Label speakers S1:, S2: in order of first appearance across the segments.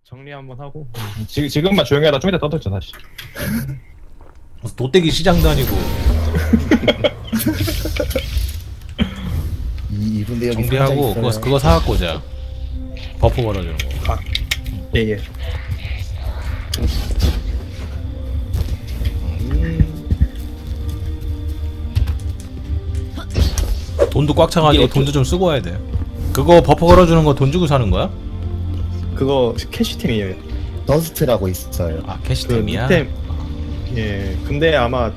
S1: 정리 한번 하고.
S2: 지금만 조용히 하다 좀 이따 떠들죠 다시.
S3: 도떼기 시장도 아니고.
S4: 이분데 여기
S3: 정비하고 그거 사갖고 오자. 버프 걸어주는 거.
S1: 아, 예.
S3: 돈도 꽉 차가지고 돈도 좀 쓰고 와야 돼. 그거 버프 걸어주는 거 돈 주고 사는 거야?
S1: 그거 캐시템이에요.
S4: 더스트라고 있어요.
S3: 아 캐시템이야?
S1: 밑에, 예. 근데 아마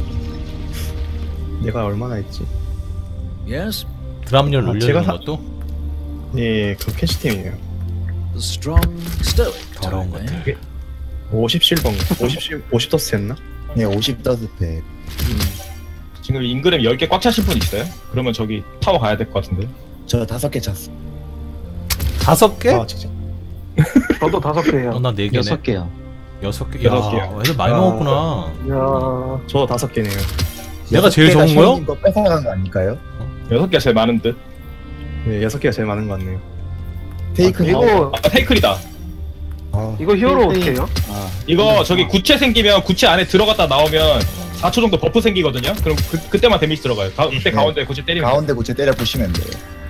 S1: 내가 얼마나 했지?
S5: Yes,
S3: 드랍률
S1: 아,
S3: 올려주는
S1: 제가
S3: 것도?
S1: 예, 그 캐시템이에요.
S5: the strong stoic
S3: 더러운
S5: type,
S3: 것들.
S5: eh?
S1: 50실버 50 더스 했나?
S4: 네, 50 더스트.
S2: 지금 인그램 10개 꽉 차신 분 있어요? 그러면 저기 타워 가야 될 것 같은데.
S4: 저 5개 찼어.
S3: 5개?
S1: 아, 진짜.
S6: 저도 5개예요.
S3: 나 4개네.
S7: 6개요.
S3: 6개?
S2: 여섯
S3: 야,
S2: 개요.
S3: 애들 많이
S1: 아.
S3: 먹었구나.
S6: 이야.
S1: 저 5개네요.
S3: 내가 제일 적은 거요?
S4: 이거 뺏어간 거 아닐까요?
S2: 6개가 제일 많은 듯.
S1: 네, 6개가 제일 많은 것 같네요.
S4: 테이크
S6: 이거
S2: 아 테이클이다.
S6: 이거 히어로 어떻게 해요?
S2: 이거 저기 구체 생기면 구체 안에 들어갔다 나오면 4초 정도 버프 생기거든요. 그럼 그때만 데미지 들어가요. 그때
S4: 네.
S2: 가운데 구체 때리면.
S4: 가운데 고체 때려 부시면 돼요.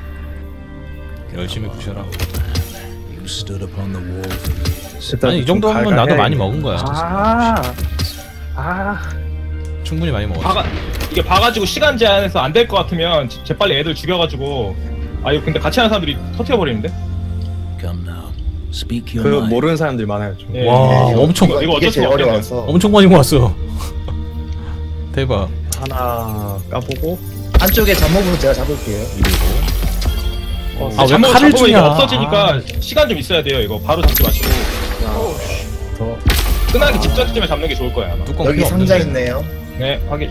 S3: 열심히 부셔라.
S5: You stood upon the wall for years.
S1: 일단
S3: 아니 이
S1: 좀
S3: 정도면 나도
S1: 갈갈해야겠네.
S3: 많이 먹은 거야. 충분히 많이 먹었어.
S2: 이게 봐가지고 시간 제한해서 안 될 것 같으면 재빨리 애들 죽여가지고. 아 이거 근데 같이 하는 사람들이 터트려버리는데?
S5: Come now, speak
S1: 그
S5: your mind.
S1: 모르는 사람들이 많아요. 좀.
S2: 예.
S3: 와
S4: 이거-
S3: 엄청
S2: 이거 어쩔
S4: 이게
S2: 수가
S4: 제일
S2: 없겠네.
S4: 어려워서.
S3: 엄청 많이 모았어. 대박.
S1: 하나 까보고.
S4: 한쪽에 잡목으로 제가 잡을게요.
S3: 아, 왜
S2: 잠깐만,
S3: 칼을
S2: 잡으면
S3: 주냐.
S2: 이게 없어지니까 시간 좀 있어야 돼요. 이거 바로 잡지 마시고
S1: 더.
S2: 끝나기 직전쯤에 잡는 게 좋을 거예요 아마.
S3: 뚜껑
S4: 여기
S3: 필요
S4: 상자
S3: 없는데.
S4: 있네요.
S2: 네 확인.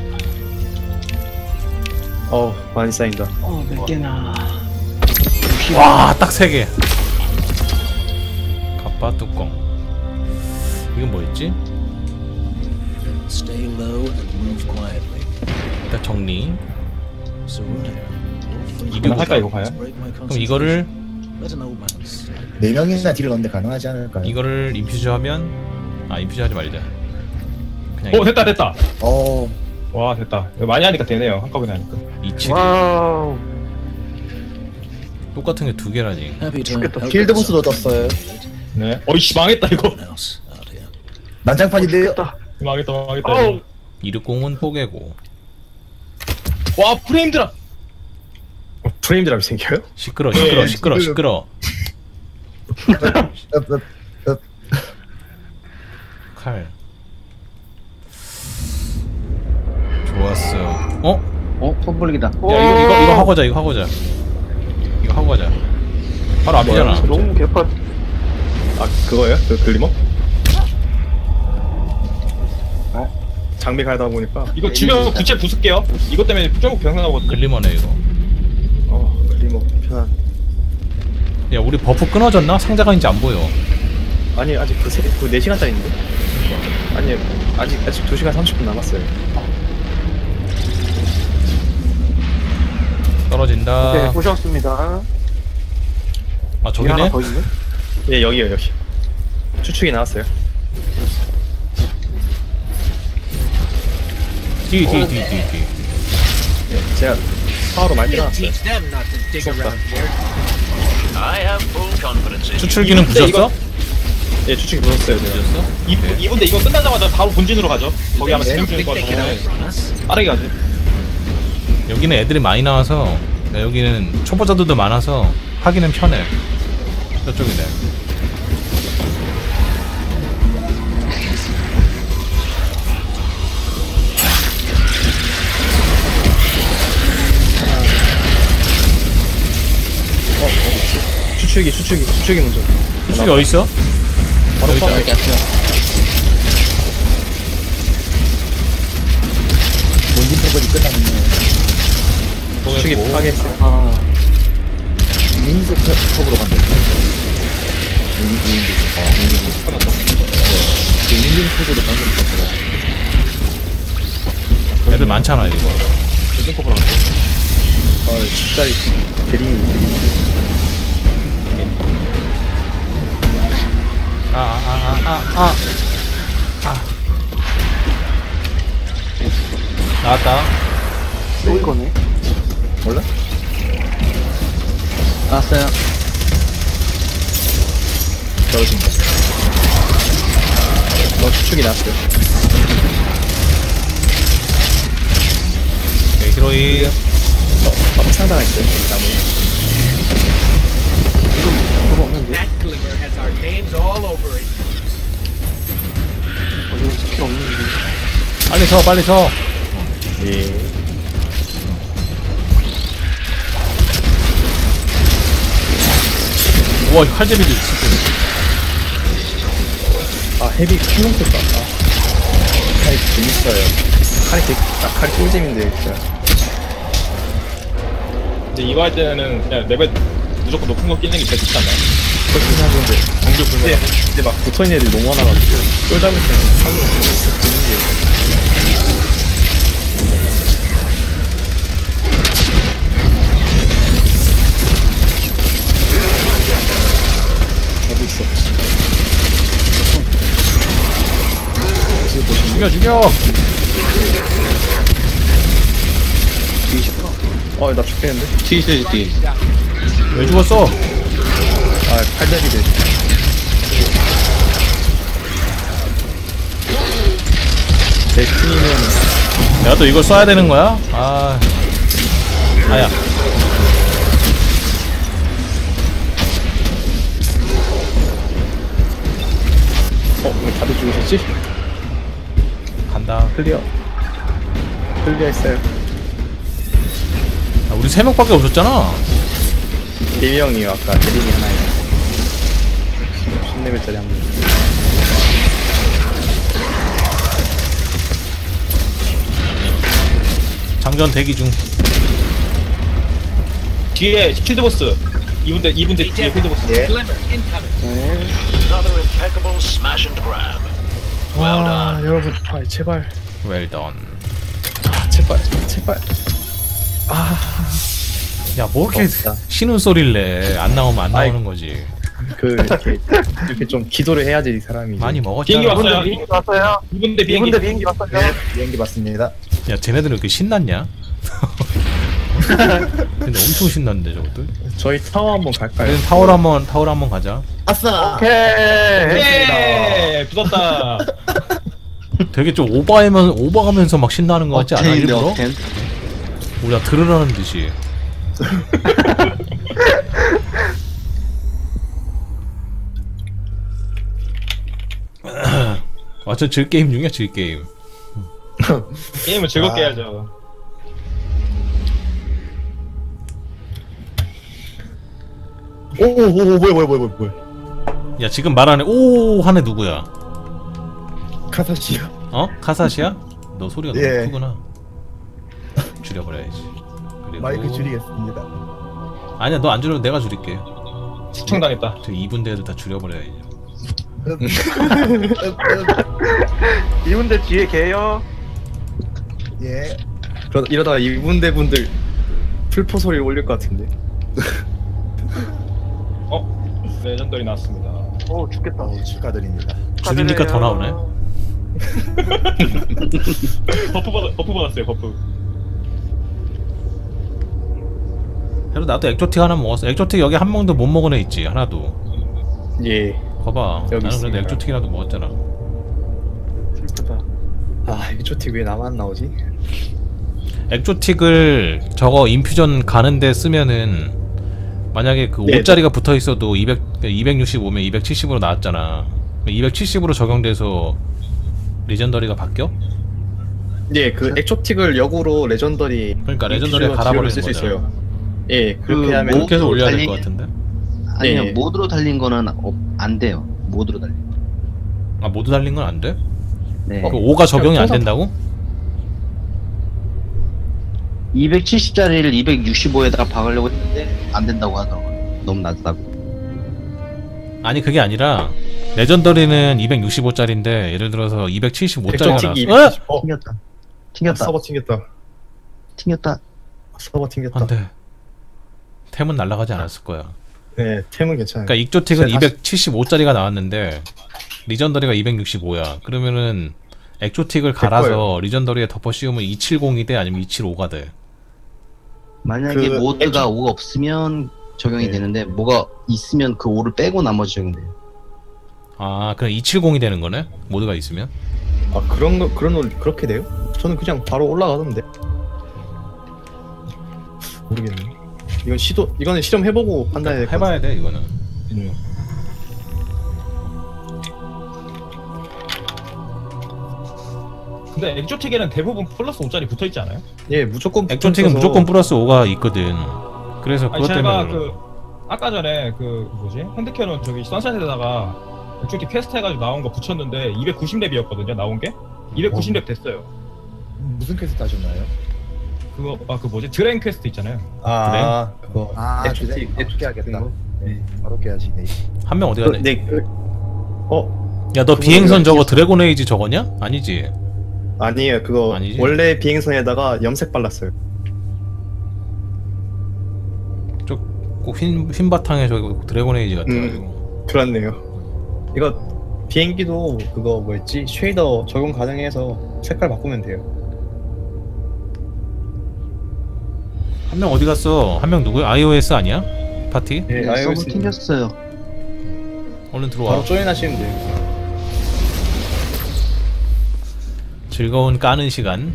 S1: 많이 쌓인다.
S7: 몇 개나.
S3: 와, 딱 3개. 갑바 뚜껑. 이건 뭐였지?
S5: Stay low and move quietly.
S3: 일단 정리.
S5: So
S2: 이거 할까 이거 과연?
S5: break my
S3: 그럼 이거를
S5: Let an old man say.
S4: 4명이나 딜을 넣는데 가능하지 않을까요?
S3: 이거를 인퓨즈 하면 인퓨즈 하지 말자. 그냥
S2: 됐다.
S4: 어,
S2: 와 됐다. 이거 많이 하니까 되네요. 한꺼번에 하니까.
S3: 이치
S6: 와우.
S3: 똑같은 게 2개라니.
S5: Happy to
S6: 죽겠다.
S5: help
S4: 필드
S5: with
S4: 보스도
S5: something.
S4: 떴어요.
S2: 네. 어이씨 망했다 이거.
S5: Someone else out here.
S4: 난장판인데요.
S2: 망했다.
S6: 어우.
S3: 이륙공은 뽀개고.
S2: 와 프레임 드랍.
S1: 프레임 드랍이 생겨요?
S3: 시끄러.
S2: 예,
S3: 칼. 좋았어.
S7: 폼불기다.
S3: 야 이거 하고 가자. 이거 하고 가자. 바로 앞이잖아.
S6: 너무 개판.
S1: 아 그거예요? 그 글리머? 장비 갈다 보니까
S2: 이거 주변 구체 부술게요. 이것 때문에 조금 병상하거든요.
S3: 글리머네 이거.
S1: 글리머 편한.
S3: 야 우리 버프 끊어졌나? 상자가 이제 안 보여.
S1: 아니 아직 그 4시간짜리인데? 아니 아직 2시간 30분 남았어요.
S3: 떨어진다.
S6: 네, 보셨습니다.
S3: 아
S6: 뒤에
S3: 저기네?
S6: 하나 더 있네.
S1: 예 여기요 여기. 추측이 나왔어요.
S3: 뒤.
S1: 예, 제가 파워로 많이 때려놨어요.
S3: 추출기는 부셨어?
S1: 예 추측이 부었어요 제가.
S3: 부셨어?
S2: 이분데 이거 끝나자마자 바로 본진으로 가죠. 거기 아마 진행 중일 것 같은데 빠르게 가죠.
S3: 여기는 애들이 많이 나와서 여기는 초보자들도 많아서 하기는 편해. 저쪽이네.
S1: 추측이 먼저.
S3: 추출기 어딨어?
S1: 바로
S3: 여기
S1: 파워.
S3: 있다.
S4: 본진 패거리 끝났네.
S1: 추측이 파괴했어요.
S6: 아,
S4: 민스 컵으로 간다. 민진 컵으로 방금 떴더라.
S3: 애들 많잖아 이거.
S1: 진짜 대리.
S3: 나왔다.
S6: 또 이거네.
S1: 몰라?
S7: 나왔어요.
S1: 떨어진다. 추측이 났어요.
S3: 오케이, 히로이.
S1: 상당했어요. 나무.
S6: 그거 없는데. 이거 스킬 없는데.
S3: 빨리 서, 빨리 서.
S1: 예.
S3: 우와, 칼제비도 있어.
S1: 아, 헤비 킹롱 썼다. 칼이 재밌어요. 칼이 꿀잼인데, 진짜.
S2: 근데 이거 할 때는 그냥 레벨 무조건 높은 거 끼는 게 제일 좋지 않나요?
S1: 그렇긴 하던데.
S2: 공격 불면
S1: 근데 막 붙어있는 애들이 너무 많아가지고. 쫄 잡을 때는 칼로 붙는 게. 어디 있어?
S3: 죽여, 죽여.
S1: 나 죽겠는데?
S7: 뒤에 뒤에.
S3: 왜 죽었어?
S1: 아, 팔다리들. 내 팀이면
S3: 내가 또 이걸 써야 되는 거야? 아. 아야.
S1: 왜 다들 죽으셨지?
S3: 간다.
S1: 클리어 했어요.
S3: 아, 우리 3명밖에 없었잖아.
S1: 4명이요. 아까 대림이 하나에 10레벨짜리 한 분.
S3: 장전 대기 중.
S2: 뒤에 필드보스 2분 뒤에 필드보스.
S1: 예. 와, 여러분, 제발.
S3: Well done.
S1: 제발.
S3: 야, 뭐 이렇게
S1: 없다.
S3: 신음 소리를 내. 안 나오면 안
S1: 아이.
S3: 나오는 거지.
S1: 이렇게 좀 기도를 해야지, 이 사람이.
S3: 많이
S2: 비행기
S3: 먹었잖아.
S2: 왔어요.
S6: 비행기 왔어요.
S2: 2분 뒤에 비행기.
S6: 2분대 비행기 왔어요.
S1: 비행기 맞습니다.
S3: 야, 쟤네들은 왜 이렇게 신났냐? 근데 엄청 신났는데 저것들.
S1: 저희 타워 한번 갈까요?
S3: 그래서 타워로 한번 가자.
S4: 아싸!
S6: 오케이.
S2: 예! 붙었다.
S3: 되게 좀 오버하면서 막 신나는 거 같지 않아?
S7: 억텐인데,
S3: 일부러?
S7: 억텐.
S3: 우리가 들으라는 듯이. 완전 즐게임 중이야, 즐게임.
S2: 게임을 즐겁게 해야죠.
S1: 뭐야.
S3: 야, 지금 말하는 오 하네 누구야?
S1: 카사시요.
S3: 어? 카사시야? 너 소리가 너무
S1: 예.
S3: 크구나. 줄여버려야지. 그리고
S1: 마이크 줄이겠습니다.
S3: 아니야, 너 안 줄여도 내가 줄일게.
S2: 시청당했다.
S3: 저 2분 대도 다 줄여버려야지.
S6: 2분대 뒤에 개요.
S1: 예. 이러다가 이분대 분들 풀포 소리를 올릴 것 같은데.
S2: 레전더리 나왔습니다.
S6: 오 죽겠다.
S4: 축하드립니다.
S3: 줄이니까 더 나오네.
S2: 버프 받았어요. 버프.
S3: 그래도 나도 액조틱 하나 먹었어. 액조틱 여기 한 명도 못 먹은 애 있지, 하나도.
S1: 예.
S3: 봐봐.
S1: 여기
S3: 나는 그래도
S1: 있습니다.
S3: 액조틱이라도 먹었잖아.
S6: 슬프다.
S1: 아, 이조틱 왜 나만 나오지?
S3: 액조틱을 저거 인퓨전 가는데 쓰면은 만약에 그
S1: 네.
S3: 5짜리가 붙어 있어도 265면 270으로 나왔잖아. 270으로 적용돼서 리전더리가 바뀌어?
S1: 예, 그 액조틱을 역으로 레전더리.
S3: 그러니까 레전더리에
S1: 인퓨저
S3: 갈아버리는
S1: 쓸수
S3: 거잖아.
S1: 있어요. 예, 그렇게
S7: 그
S1: 하면
S3: 그렇게 해서 올려야 될
S7: 달리-
S3: 것 같은데?
S7: 아니요,
S1: 네.
S7: 모드로 달린 거는 안 돼요. 모드로 달린 거.
S3: 아, 모두 달린 건 안 돼?
S7: 네.
S3: 그 5가 적용이 안
S1: 통상-
S3: 된다고?
S7: 270짜리를 265에다가 박으려고 했는데 안 된다고 하더라고요. 너무 낮다고.
S3: 아니, 그게 아니라 레전더리는 265짜리인데 예를 들어서 275짜리가
S1: 액조틱이
S3: 나왔어.
S1: 270.
S7: 튕겼다. 튕겼다.
S1: 서버 튕겼다.
S7: 튕겼다.
S1: 서버 튕겼다.
S3: 안 돼. 템은 날아가지 않았을 거야.
S1: 네, 템은 괜찮아요.
S3: 그러니까 익조틱은
S1: 다시-
S3: 275짜리가 나왔는데 리전더리가 265야. 그러면은 엑조틱을 갈아서 리전더리에 덮어 씌우면 270이 돼? 아니면 275가 돼?
S7: 만약에
S1: 그
S7: 모드가 5가 없으면 적용이
S1: 네.
S7: 되는데 뭐가 있으면 그 5를 빼고 나머지 적용돼요.
S3: 아, 그럼 270이 되는 거네? 모드가 있으면?
S1: 아 그런 거 그렇게 돼요? 저는 그냥 바로 올라가던데. 모르겠네. 이거는 실험해보고 판단해야 될 것 같아요.
S3: 해봐야 돼, 이거는.
S2: 근데 엑조틱에는 대부분 플러스 5짜리 붙어있지 않아요?
S1: 예, 무조건
S3: 엑조틱은
S1: 붙어서-
S3: 무조건 플러스 5가 있거든. 그래서
S2: 아니
S3: 그것
S2: 제가
S3: 때문에.
S2: 그 아까 전에 그 뭐지 핸드캐논 저기 선셋에다가 엑조틱 퀘스트 해가지고 나온 거 붙였는데 290렙이었거든요 나온 게 290렙 됐어요.
S8: 무슨 퀘스트 하셨나요?
S2: 그거 그 뭐지 드레인 퀘스트 있잖아요.
S1: 아 그거
S8: 그래? 바로 깨야겠다. 네, 바로 깨야지. 네.
S3: 한 명 어디 갔네?
S1: 네,
S3: 야, 너 비행선 저거 드래곤 에이지 저거냐? 아니지.
S1: 아니에요. 그거
S3: 아니지?
S1: 원래 비행선에다가 염색 발랐어요.
S3: 꼭 흰 바탕에 저기 드래곤 에이지 같아가지고.
S1: 그렇네요. 이거 비행기도 그거 뭐였지? 쉐이더 적용 가능해서 색깔 바꾸면 돼요.
S3: 한 명 어디 갔어? 한 명 누구야? iOS 아니야? 파티?
S1: 예,
S7: 서버
S1: iOS
S7: 튕겼어요.
S3: 얼른 들어와.
S1: 바로 조인하시면 돼요.
S3: 즐거운 까는 시간.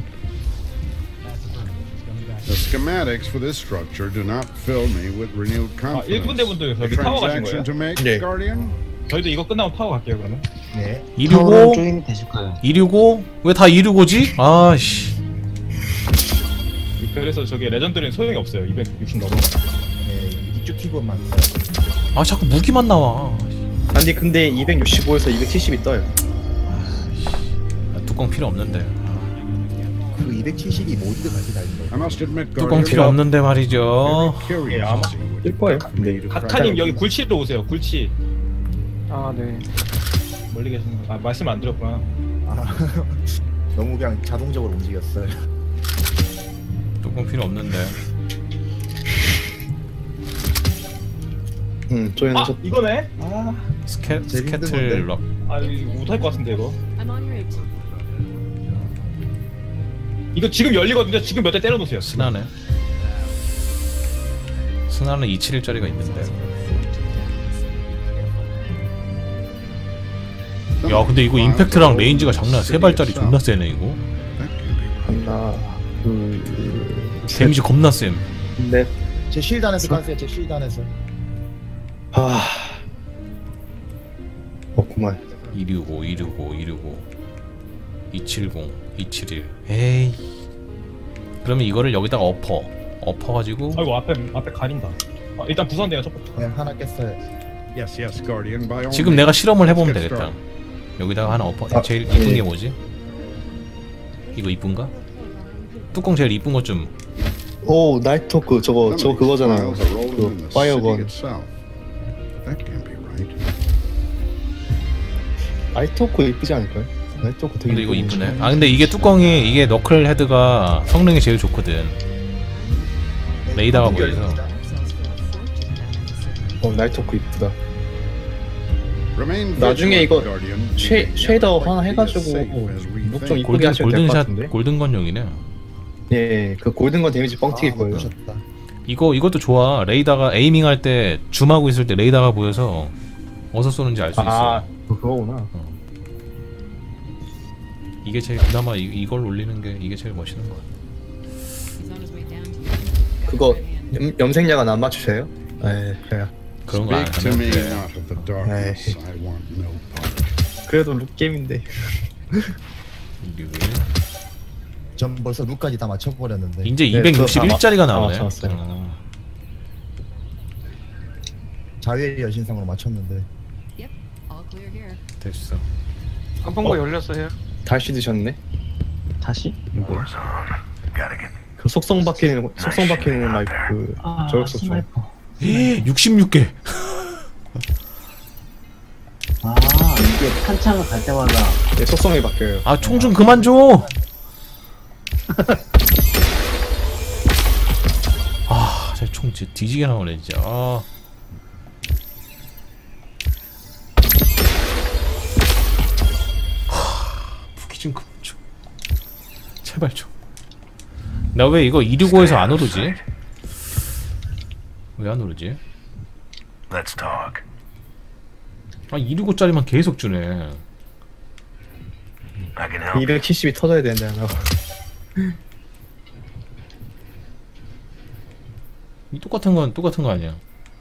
S9: The schematics for this structure do not fill me with renewed
S2: 아
S9: confidence.
S2: 1군데 분들
S9: The
S2: 여기 타워 가신
S9: transaction
S2: 거예요?
S9: to make,
S1: 네.
S9: Guardian?
S2: 저희도 이거 끝나면 타워 갈게요 그러면.
S8: 네.
S7: 타워랑
S3: 265?
S7: 조인이 되실 거예요.
S3: 265? 왜 다 265지? 아씨.
S2: 그래서 저기 레전드는 소용이 없어요 260 넘어.
S8: 네. 이쪽티브만 써요.
S3: 아, 자꾸 무기만 나와.
S1: 아니 근데 265에서 270이 떠요.
S3: 아, 뚜껑 필요 없는데.
S8: 그 270이 모두 같이 달린 거예요.
S9: I must admit,
S3: 뚜껑
S9: Guardian,
S3: 필요 없는데 말이죠.
S9: very curious
S1: 아마
S9: to see what
S1: 뜰 거예요.
S9: you
S1: 근데
S9: need to
S2: 카카님
S9: crack.
S2: 여기 굴치로 오세요 굴치.
S6: 아 네.
S2: 멀리 계시는 거. 아 말씀 안 드렸구나.
S8: 아, 너무 그냥 자동적으로 움직였어요.
S3: 뚜껑 필요 없는데.
S2: 아
S1: 조인하셨.
S2: 이거네? 아
S8: 제일 힘든
S3: 스캐틀 럭.
S2: 이거 못할 것 같은데 이거.
S10: I'm on route.
S2: 이거 지금 열리거든요. 지금 몇 대 때려놓으세요.
S3: 스나네. 스나는 271짜리가 있는데. 야, 근데 이거 임팩트랑 레인지가 장난. 3발짜리 존나 세네 이거.
S9: That can be right.
S1: 하나, 둘,
S3: 데미지 겁나 쌤.
S1: 넷.
S8: 제 쉴드 안에서 가세요. 제 쉴드 안에서.
S1: 아, 없구만.
S3: 265, 265, 265, 270, 271. 에이. 그러면 이거를 여기다가 엎어가지고.
S2: 아이고 앞에 가린다. 아, 일단 부산대요 첫부터.
S8: 그냥 하나 깼어요.
S9: Yes, yes, Guardian, by all
S3: 지금
S9: means.
S3: 내가 실험을 해보면
S9: Let's get
S3: 되겠다.
S9: started.
S3: 여기다가 하나 엎어.
S1: 아,
S3: 제일 이쁜
S1: 예.
S3: 게 뭐지? 이거 이쁜가? 뚜껑 제일 이쁜 것 좀.
S1: 오, 나이트토크 저거
S9: Some of these
S1: 그거잖아요.
S9: files are rolling in
S1: 그
S9: the city
S1: 파이어건.
S9: itself. That can't be right.
S1: 나이트토크 이쁘지 않을까요? 나이트토크 되게.
S3: 근데 이거
S1: 이쁘네.
S3: 이쁘네. 아, 근데 이게 뚜껑이 이게 너클 헤드가 성능이 제일 좋거든. 레이더가 보여서.
S1: 나이트토크 이쁘다.
S9: Remain
S1: 나중에
S9: vigilant,
S1: 이거
S9: Guardian.
S1: 쉐이더
S9: Like
S1: 하나
S9: to be
S1: 해가지고
S9: as safe as we
S1: 룩 좀
S9: think.
S1: 이쁘게 하시면 될 것
S3: 골든샷,
S1: 같은데.
S3: 골든건용이네.
S1: 예, 그 골든건 데미지 뻥튀기 거예요.
S8: 보셨다.
S3: 이것도 좋아. 레이더가 에이밍 할 때 줌하고 있을 때 레이더가 보여서 어디서 쏘는지 알 수 있어.
S1: 아, 그거구나.
S3: 이게 제일 그나마 이걸 올리는 게 이게 제일 멋있는 것 같아.
S10: He's on his way down to you.
S1: 그거 염색약은 안 맞추세요? 네, 그래요.
S3: 그런 거 안
S9: Speak to
S3: 하면
S9: me
S3: 돼.
S9: not of the darkness. I want no part.
S1: 그래도 룩게임인데.
S8: 전 벌써 룩까지 다 맞춰버렸는데.
S3: 이제
S1: 네,
S3: 261짜리가 나오네.
S1: 맞췄어요.
S8: 자유의 여신상으로 맞췄는데.
S10: Yep, all clear here.
S3: 됐어.
S6: 한번거 열렸어요.
S1: 다시 드셨네?
S7: 다시?
S1: 그 속성 박히는 라이프 그 저격소 중.
S3: 66개.
S7: 아 이게 한창을 갈 때마다
S1: 네, 속성이 바뀌어요.
S3: 아, 총 좀 그만 줘. 아, 제 총 진짜 뒤지게 나오네 진짜. 아. 좀 좀. 제발 좀. 나 왜 이거 265에서 안 오르지? 왜 안 오르지?
S5: Let's talk.
S3: 아 265짜리만 계속 주네.
S5: I can help.
S1: 270이 터져야 되는데 하나.
S3: 이 똑같은 거 아니야?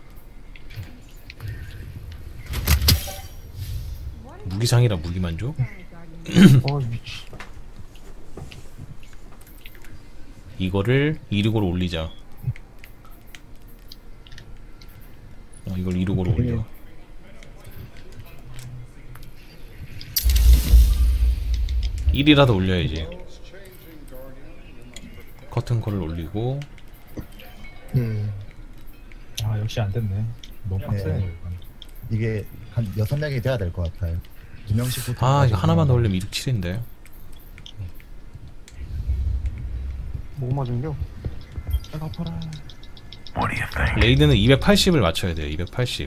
S3: 무기상이라 무기만 줘?
S6: 미치.
S3: 이거를 265로 올리자. 이걸 265로 올려. (1) 이라도 올려야지. 커튼 콜을 올리고.
S2: 아 역시 안 됐네. 너무 빡세네.
S8: 네. 이게 한 6명이 돼야 될 것 같아요. 2명씩.
S3: 아 이거 하나만 더 올리면 267인데.
S6: 뭐 맞은겨? 내가 아파라.
S5: What do you think?
S3: 레이드는 280을 맞춰야 돼요. 280.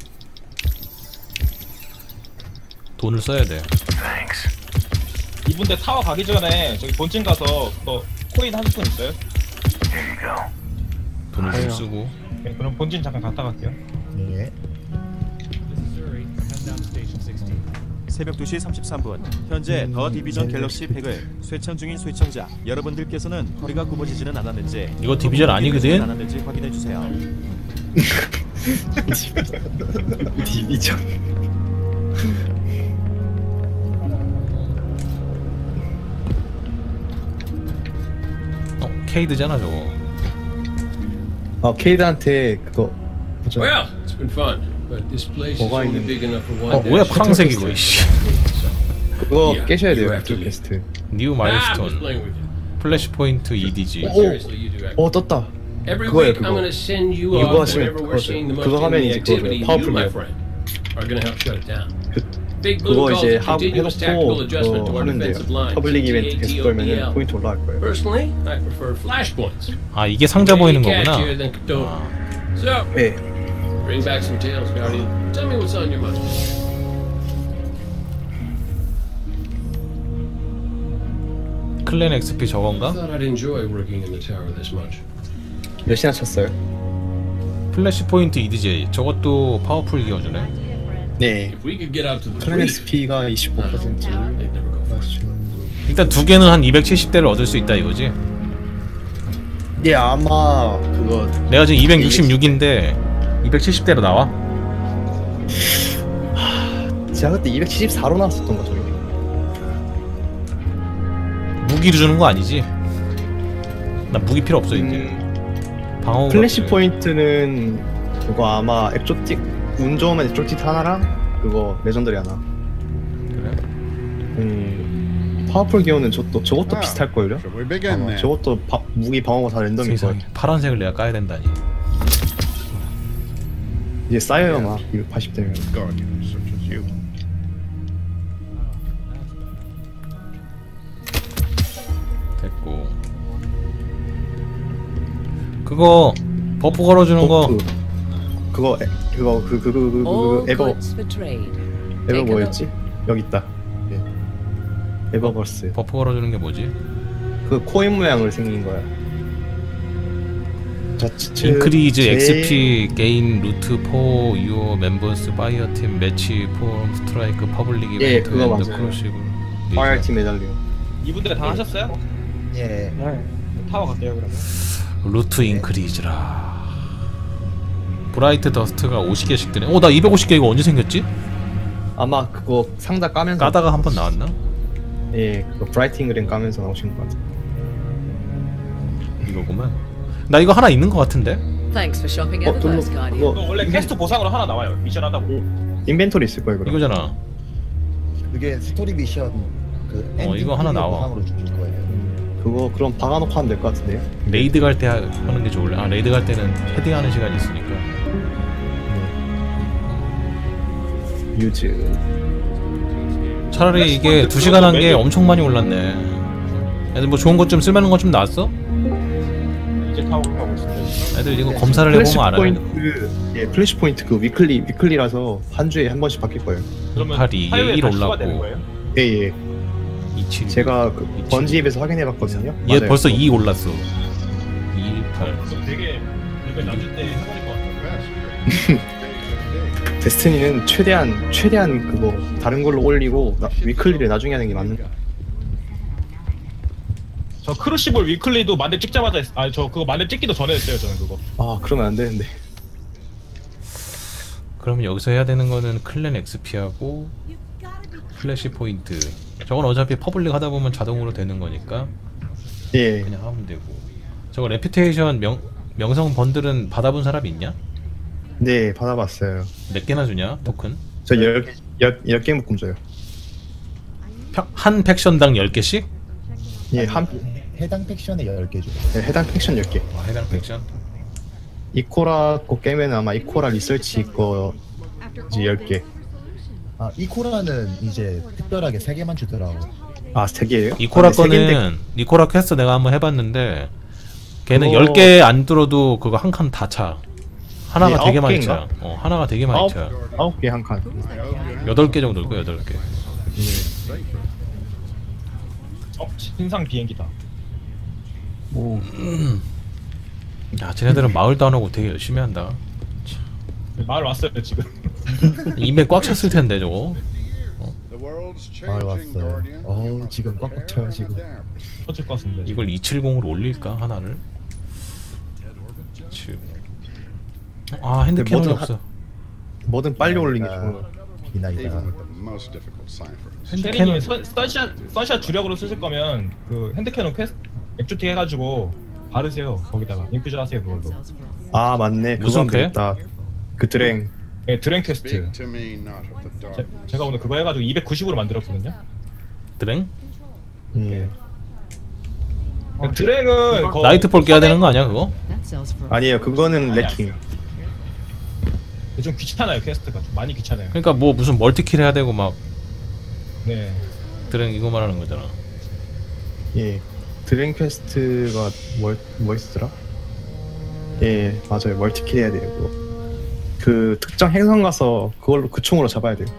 S3: 돈을 써야 돼.
S5: Thanks.
S2: 이분들 타워 가기 전에 저기 본진 가서 또 코인 한 스푼 있어요?
S5: Here you go.
S3: 돈을 좀 쓰고.
S2: 네, 그럼 본진 잠깐 갔다 갈게요.
S8: 예.
S11: 새벽 2시 33분 현재 더 디비전 갤럭시 팩을 쇠창 중인 시청자 여러분들께서는 허리가 굽어지지는 않았는지
S3: 이거 디비전 아니거든?
S11: 않았는지 확인해주세요.
S1: 디비전.
S3: 케이드잖아 저거.
S1: 케이드한테 그거 뭐죠?
S5: Well, it's been fun, but this place is
S1: 뭐가
S5: only
S1: 있는-
S5: big enough for one.
S3: 뭐야
S5: day.
S3: 파란색 이거 이씨.
S1: 그거 깨셔야 돼요.
S5: You have to
S1: 그쪽
S5: leave.
S1: 게스트.
S3: 뉴
S5: Ah, I'm just
S3: 마일스톤.
S5: playing with you.
S3: 플래시 포인트 EDG.
S1: 오!
S5: Seriously, you do act.
S1: 떴다.
S5: Every
S1: 그거예요,
S5: week, I'm
S1: 그거.
S5: gonna send you
S1: 이거
S5: up
S1: 하시면
S5: whenever we're
S1: 그거죠.
S5: seeing the most
S1: 그거 하면
S5: enemy
S1: 이제
S5: activity.
S1: 그거죠.
S5: You, my
S1: 파워풀이요.
S5: friend, are gonna help shut it down. Big
S1: 그거
S5: Blue calls
S1: 이제
S5: it
S1: 하고
S5: continuous tactical
S1: 해놓고
S5: adjustment to
S1: 그거
S5: our
S1: 하면 돼요.
S5: defensive line.
S1: 퍼블릭 이벤트 계속 돌면은
S5: CTOBL.
S1: 포인트 올라갈 거예요.
S5: Personally, I prefer flashpoints.
S3: 아 이게 상자 보이는 거구나.
S5: Catchier than Cthulhu. So,
S1: 네.
S5: bring back some tales, Guardian. Tell me what's on your mind.
S3: 클랜 XP
S5: I
S3: 저건가?
S5: thought I'd enjoy working in the tower this much.
S1: 몇이나 쳤어요?
S3: 플래시 포인트 EDG 저것도 파워풀 기어주네.
S1: 네.
S5: If we could get out to the
S1: 클랜
S5: creek,
S1: XP가 25%.
S5: they'd never go far.
S3: 일단 두 개는 한 270대를 얻을 수 있다 이거지.
S1: 예, 아마 그거
S3: 내가 지금 266인데 270대로 나와?
S1: 제가 그때 274로 나왔었던 거 저기.
S3: 무기를 주는 거 아니지? 나 무기 필요 없어 이제. 방어.
S1: 플래시 포인트는 그거 아마 엑조틱 운 좋으면 엑조틱 하나랑 그거 레전더리 하나.
S3: 그래?
S1: 파워풀 기어는 저것도 비슷할 걸요?
S9: Shall we begin then?
S1: 저것도 무기 방어가 다 랜덤일 거예요.
S3: 세상에 파란색을 내가 까야 된다니.
S1: 이제 쌓여요 막 280대면.
S9: Guardians such as you.
S3: 됐고. 그거 버프 걸어주는 거.
S1: 그거 에버 뭐였지? 여기 있다. 예. 에버버스.
S3: 버프 걸어주는 게 뭐지?
S1: 그 코인 모양으로 생긴 거야.
S3: 인크리즈 XP 게인 루트 4 유어 멤버스 파이어 팀 매치 폼 스트라이크 퍼블릭
S1: 예,
S3: 이벤트
S1: 그거 맞아요.
S3: 크루시블
S1: 파이어팀 메달리오.
S2: 이분들 다 하셨어요?
S8: 예.
S6: 네.
S2: 타워 갈게요 그러면.
S3: 루트 인크리즈라. 브라이트 더스트가 50개씩 뜨네. 나 250개 이거 언제 생겼지?
S1: 아마 그거 상자 까면서
S3: 까다가 한 번 나왔나?
S1: 예, 그거 브라이팅 그램 까면서 나오신 것 같아.
S3: 이거구만. 나 이거 하나 있는 것 같은데?
S10: Thanks for shopping at the
S1: 둘로
S10: First Guardian.
S2: 그거 원래 퀘스트 보상으로 하나 나와요. 미션 하다 보면.
S1: 인벤토리 있을 거예요, 그럼.
S3: 이거잖아.
S8: 그게 스토리 미션 그 엔딩
S3: 이거 하나
S8: 클리어
S3: 나와.
S8: 보상으로 주실 거예요.
S1: 그거 그럼 박아놓고 하면 될 것 같은데요?
S3: 레이드 갈 때 하는 게 좋을래? 아 레이드 갈 때는 헤딩하는 시간이 있으니까.
S1: 유즈.
S3: 차라리 이게 2시간 한 게 엄청 많이 올랐네. 애들 뭐 좋은 것 좀 쓸만한 것 좀 나왔어?
S2: 이제 타워 가고 있습니다.
S3: 애들 이거 검사를
S1: 플래시
S3: 해보면 알아요.
S1: 포인트, 예, 플래시 포인트 그 위클리라서 한 주에 한 번씩 바뀔 거예요.
S2: 그러면
S3: 8, 2,
S2: 화요일에
S3: 1
S2: 다시
S3: 올랐고.
S2: 추가되는 거예요?
S1: 예, 예.
S3: 27.
S1: 제가 그
S3: 27.
S1: 번지입에서 확인해봤거든요.
S3: 얘
S1: 맞아요.
S3: 벌써 2 올랐어. 218.
S2: 되게 레벨 낮을 때 해버릴 것 같아요.
S1: 데스티니는 최대한 그거 다른 걸로 올리고 위클리를 나중에 하는 게 맞는 거.
S2: 저 크루시블 위클리도 만렙 찍자마자 저 그거 만렙 찍기도 전에 했어요 저는 그거.
S1: 아 그러면 안 되는데.
S3: 그러면 여기서 해야 되는 거는 클랜 XP하고 플래시 포인트. 저건 어차피 퍼블릭 하다 보면 자동으로 되는 거니까
S1: 예.
S3: 그냥 하면 되고. 저거 레퓨테이션 명성 번들은 받아본 사람 있냐?
S1: 네 받아봤어요.
S3: 몇 개나 주냐 토큰?
S1: 저 10개 묶음 줘요.
S3: 한 팩션당 10개씩?
S1: 예,
S8: 해당 팩션에 10개 줘요.
S1: 네, 해당 팩션 10개.
S3: 해당 팩션?
S1: 이코라 거 깨면 아마 이코라 리서치 거 이제 10개.
S8: 아, 이코라는 이제 특별하게 3개만 주더라고.
S1: 아 3개예요?
S3: 이코라
S1: 아, 네, 세 개인데
S3: 거는 이코라 퀘스트 내가 한번 해봤는데 걔는
S1: 그거-
S3: 10개 안 들어도 그거 한 칸 다 차. 하나가
S1: 네,
S3: 되게
S1: 아홉
S3: 많이
S1: 개인가?
S3: 차. 하나가 되게 많이 차.
S1: 9개 한 칸.
S3: 8개 정도일 거야 8개.
S2: 신상 비행기다.
S3: 야 쟤네들은 마을도 안 오고 되게 열심히 한다.
S2: 마을 왔어요 지금.
S3: 이메 꽉 찼을 텐데 저거.
S8: 왔어요. 지금 꽉꽉 차요 지금.
S2: 터질 것 같습니다.
S3: 이걸 270으로 올릴까 하나를? 아 핸드캐논이
S1: 뭐든
S3: 없어.
S1: 뭐든 빨리 올리는 게 좋은 거.
S8: 비나이다.
S2: 세리님이 선샷 주력으로 쓰실 거면 그 핸드캐논 퀘스트 액주티 해가지고 바르세요. 거기다가 인퓨전 하세요 그걸로.
S1: 아 맞네.
S3: 무슨
S1: 그거
S3: 쾌?
S1: 되겠다. 그 드랭.
S2: 네, 드랭 퀘스트. 제가 오늘 그거 해가지고 290으로 만들었거든요.
S3: 드랭?
S1: 예.
S2: 드랭은
S3: 나이트폴 깨야 되는 거 아니야 그거?
S10: That sells for
S1: 아니에요. 그거는 레킹.
S2: 좀 귀찮아요 퀘스트가 좀 많이 귀찮아요.
S3: 그러니까 뭐 무슨 멀티킬 해야 되고 막
S2: 네.
S3: 드랭 이거 말하는 거잖아.
S1: 예. 드랭 퀘스트가 뭐 있었더라? 예, 맞아요. 멀티킬 해야 돼요. 그거. 그 특정 행성 가서 그걸로 그 총으로 잡아야 돼요.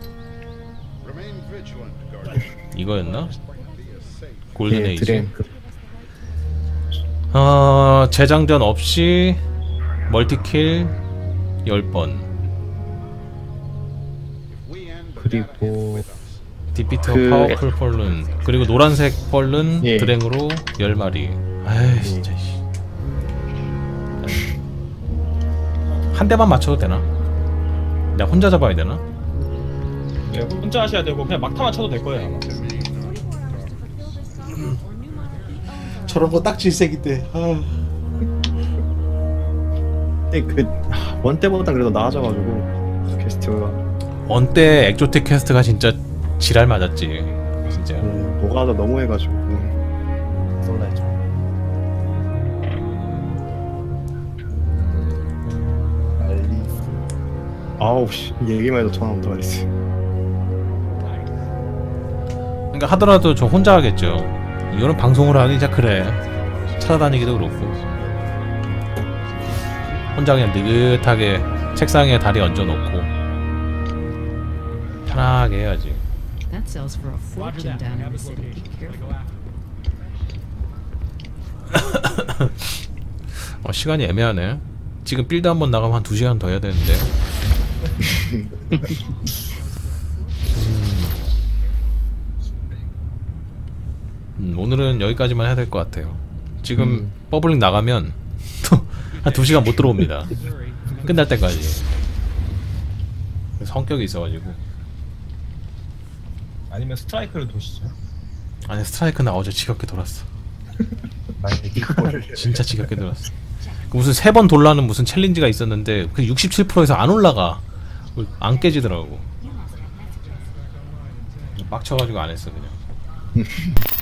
S3: 이거였나? 골든
S1: 예,
S3: 에이지.
S1: 드랭.
S3: 재장전 없이 멀티킬 10번.
S1: 그리고
S3: 디피터
S1: 그-
S3: 파워풀 펄룬. 그리고 노란색 펄룬
S1: 예.
S3: 드랭으로 10마리. 아이 진짜 씨. 한 대만 맞춰도 되나? 내가 혼자 잡아야 되나?
S2: 네, 혼자 하셔야 되고 그냥 막타만 쳐도 될 거예요 아마.
S6: 저런 거 딱 질색인데.
S1: 근데 원 때보다 그래도 나아져가지고 퀘스트가
S3: 언때 엑조틱 퀘스트가 진짜 지랄 맞았지. 진짜.
S1: 뭐가 더 너무해가지고.
S8: 솔라이죠.
S1: 아우 씨 얘기만 해도 전화 온다 그랬어.
S3: 그러니까 하더라도 저 혼자 하겠죠. 이거는 방송으로 하기 진짜 그래. 찾아다니기도 그렇고. 혼자 그냥 느긋하게 책상에 다리 얹어놓고 편하게 해야지.
S10: that sells for a fortune down in the city. Careful.
S3: 시간이 애매하네. 지금 빌드 한번 나가면 한 2시간 더 해야 되는데. 오늘은 여기까지만 해야 될 것 같아요. 지금 버블링 나가면 한 2시간 못 들어옵니다. 끝날 때까지. 성격이 있어가지고.
S2: 아니면 스트라이크를 도시죠.
S3: 아니 스트라이크 나 어제 지겹게 돌았어. 진짜 지겹게 돌았어. 무슨 3번 돌라는 무슨 챌린지가 있었는데 그 67%에서 안 올라가. 안 깨지더라고. 빡쳐가지고 안 했어 그냥.